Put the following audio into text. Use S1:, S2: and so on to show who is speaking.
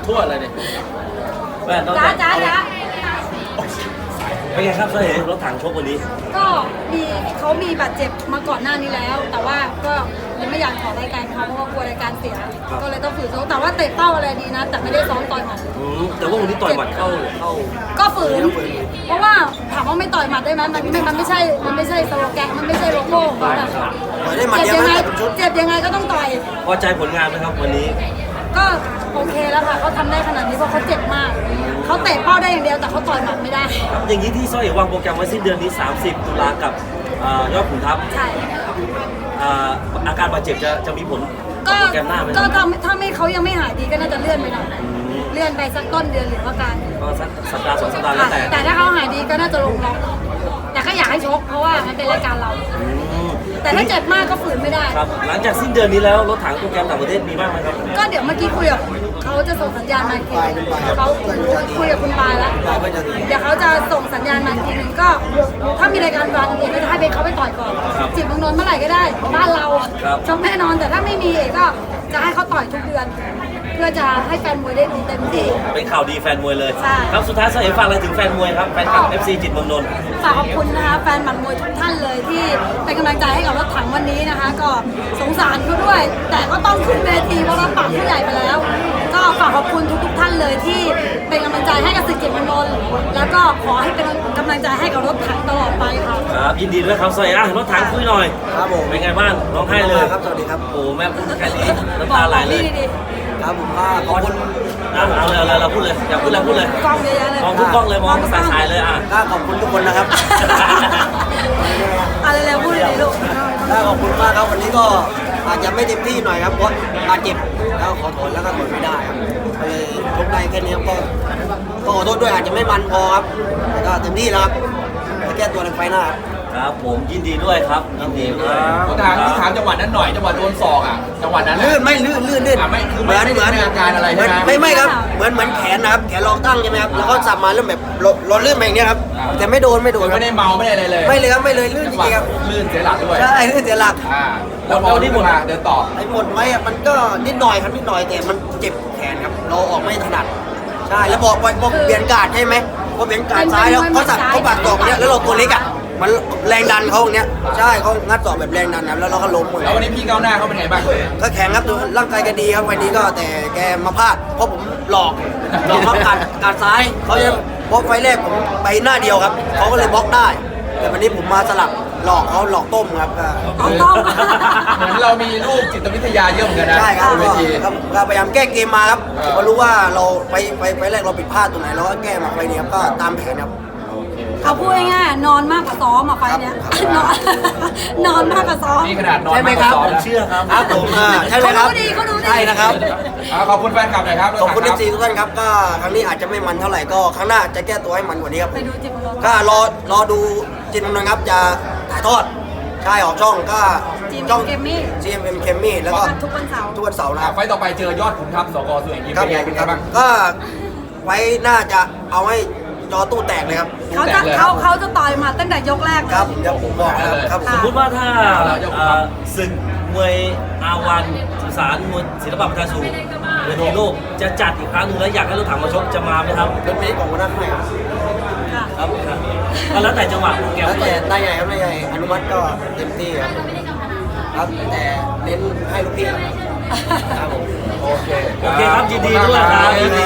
S1: ทั่วเลยเนี่ย
S2: จ้า
S3: เป็นไงครับเคยเห็นรถถังชกวันนี้
S2: ก็เขามีบาดเจ็บมาก่อนหน้านี้แล้ว แต่ว่าก็ยังไม่อยากขอรายการเขาเพราะว่ากลัวรายการเสียก็เลยต้องฝืนซ้อมแต่ว่าเตะเป้าอะไรดีนะแต่ไม่ได้ซ้อมต่อยหมัด
S3: แต่ว่าวันนี้ต่อยหมัดเข้า
S2: ก็ฝืนเพราะว่าถามว่าไม่ต่อยหมัดได้ไหมมันไม่ใช่สโลแกนมันไม่ใช่โลโก้ของแบบเจ็บยังไงก็ต้องต่อย
S3: พอใจผลงานไหมครับวันนี้
S2: ก็โอเคแล้วค่ะเขาทำได้ขนาดนี้เพราะเขาเจ็บมากเขาเตะเป้าได้อย่างเดียวแต่เขาต่อยหมัดไม่ได้
S3: อย่างนี้ที่ซ้อยวางโปรแกรมไว้สิ้นเดือนนี้30 ตุลากับยอดขุนทัพ
S2: ใช่
S3: อาการบาดเจ็บจะมีผลโปรแกรมหน้าไหม
S2: ก็ถ้าไม่เขายังไม่หายดีก็น่าจะเลื่อนไปหน่อยเลื่อนไปสักต้นเดือนหรือว่าการ
S3: ก็สักสัปดาห์2 สัปดาห์แล้ว
S2: แต่ถ้าเขาหายดีก็น่าจะลงล็อกแต่ก็อยากให้ชกเพราะว่ามันเป็นรายการเราแต่ถ้าเจ็บมากก็ฝืนไม่ได้
S3: ครับหลังจากสิ้นเดือนนี้แล้วรถถังโปรแกรมต่างประเทศมีบ้างไหมครับ
S2: ก็เดี๋ยวเมื่อกี้คุยกับเขาจะส่งสัญญาณมาอีกทีเขาคุยกับคุณปายแล้วเดี๋ยวเขาจะส่งสัญญาณมาอีกทีนึงก็ถ้ามีรายการวันเอกก็จะให้เขาไปต่อยก่อนจิตเมืองนนท์เมื่อไหร่ก็ได้บ้านเราชกแน่นอนแต่ถ้าไม่มีเอกก็จะให้เขาต่อยทุกเดือนเพื่อจะให้แฟนมวยได้ดูเต็มที่
S3: เป็นข่าวดีแฟนมวยเลย
S2: ใช่
S3: ครับสุดท้ายเสฝากอะไรถึงแฟนมวยครับแฟนคลับ FC จิตเมืองนนท์
S2: ฝากขอบคุณนะคะแฟนหมัดมวยทุกท่านเลยที่เป็นกำลังใจให้กับรถถังวันนี้นะคะก็สงสารเขาด้วยแต่ก็ต้องขึ้นเวทีเพราะว่าฝั่งผู้ใหญ่ไปแล้วก็ฝากขอบคุณทุกท่านเลยที่เป็นกำลังใจให้กับศึกจิตเมืองนนท์แล้วก็ขอให้เป็นกำลังใจให้กับรถถังตลอดไปค่ะ
S3: ครับยินดีด้วยครับสวัสดีรถถังคุยหน่อย
S4: ครับผม
S3: เป็นไงบ้างร้องไห้เลย
S4: ครับสวัสดีครับ
S3: โอ้แม่พูดแค่นี้น้ำตาไหลเลย
S4: ครับผมขอบคุณ
S3: เอาเลยเราพูดเลยอยากพูดอะไรพูดเลย
S2: กล้องเยอะๆเลย
S3: มองทุกกล้องเลยมองสายๆเลย
S4: ขอบคุณทุกคนนะครับ
S2: อะไรแล้วพูดเลยลูก
S4: ขอบคุณมากครับวันนี้ก็อาจจะไม่เต็มที่หน่อยครับเพราะอาเจ็บแล้วขอโทษแล้วก็ทนไม่ได้ครับเลยทุกได้แค่นี้ก็ขอโทษด้วยอาจจะไม่มันพอครับแต่ก็เต็มที่แล้วครับจะแก้ตัวในไฟหน้า
S3: ครับผมยินดีด้วยครับยินดีด้วย
S1: ถามจังหวะนั้นหน่อยจังหวะโดนศอกจังหวะนั้น
S4: ลื่นไม่ลื่น
S1: ไม่คือเหมือนอาการอะไรใช่ไหม
S4: ไม่ครับเหมือนแขนนะครับแขนรองตั้งใช่ไหมครับแล้วก็สับมาเริ่มแบบเราลื่นแบบนี้ครับแต่ไม่โดน
S1: ไม่ได้เมาไม่ได้อะไรเลย
S4: ไม่เลยครับไม่เลยลื่นจริงครับ
S1: ลื่นเสียหลักด้วย
S4: ใช่ลื่นเสียหลัก
S1: แล้วพอที่หมดเดินต่อ
S4: ไอ้หมดไว้มันก็นิดหน่อยครับนิดหน่อยแต่มันเจ็บแขนครับเราออกไม่ถนัดใช่แล้วบอกเปลี่ยนการ์ดใช่ไหมพอเปลี่ยนการ์ดซ้ายแล้วเขาสับเขาบาดศอกเนี้ยแล้วเราตัวเล็กมันแรงดันเขาเนี้ยใช่เขางัดศอกแบบแรงดันนะแล้วเราก็ล้ม
S1: แล้ววันนี้พี่ก้าวหน้าเขาเป็นไงบ้าง
S4: ก็แข็งครับร่างกายแกดีครับวันนี้ก็แต่แกมาพลาดเพราะผมหลอกครับการซ้ายเขาจะบล็อกไฟแรกผมไปหน้าเดียวครับเขาก็เลยบล็อกได้แต่วันนี้ผมมาสลับหลอกเขาหลอกต้มครับ
S2: ต้ม
S1: เหมือนเรามีลูกจิตวิทยาเยอะเหมือนกันนะ
S4: ใช่ครับก็พยายามแก้เกมมาครับพอรู้ว่าเราไปแรกเราผิดพลาดตรงไหนเราก็แก้มาไปนี้ครับก็ตามแผนครับ
S2: เขาพูดง่ายๆนอนมากกว่าซ้อมไฟเนี้ยนอนมากกว่าซ้อม
S1: นี่ขนาดนอน
S4: ใช่ไหมครับ
S3: ผมเชื่อครับ
S4: ผมใช่ไหมครับใช่นะครับ
S1: ขอบคุณแฟนคลับหน่อยครับ
S4: ขอบคุณFCทุกท่านครับก็ครั้งนี้อาจจะไม่มันเท่าไหร่ก็ครั้งหน้าจะแก้ตัวให้มันกว่านี้ครับ
S2: ไปดูจิตเมืองนนท์
S4: ก็รอดูจิตเมืองนนท์ครับจะถ่ายทอดใช่ออกช่องก็
S2: ช่อง
S4: GMM เคมมี่แล้วก็
S2: ทุกวันเสาร์
S4: นะครับ
S1: ไฟต่อไปเจอยอดขุนทัพสกสุเอกยิมเป็นไงบ้าง
S4: ก็ไว้น่าจะเอาให้จอตู้แตกเลยครับ
S2: เขาจะต่อยมาตั้งแต่ยกแรก
S4: ครับเดี๋ยวผมบอกครับ
S3: สมมติว่าถ้าศึกมวยอาวันสุสานมวยศิลปะประชาชูเวทีโลกจะจัดอีกครั้งนึงแล้วอยากให้รถถังมาชกจะมาไหมครับ
S4: เป็นเพลงของวันนั้นให้ครับ
S3: ก็แล้วแต่จังหวะแก
S4: แล้วแต่ได้ไงครับได้ไงอนุมัติก็เต็มที่ครับแต่เน้นให้ลูกพี่ครับผม
S1: โอเค
S3: ครับยินดีด้วยครับยินดี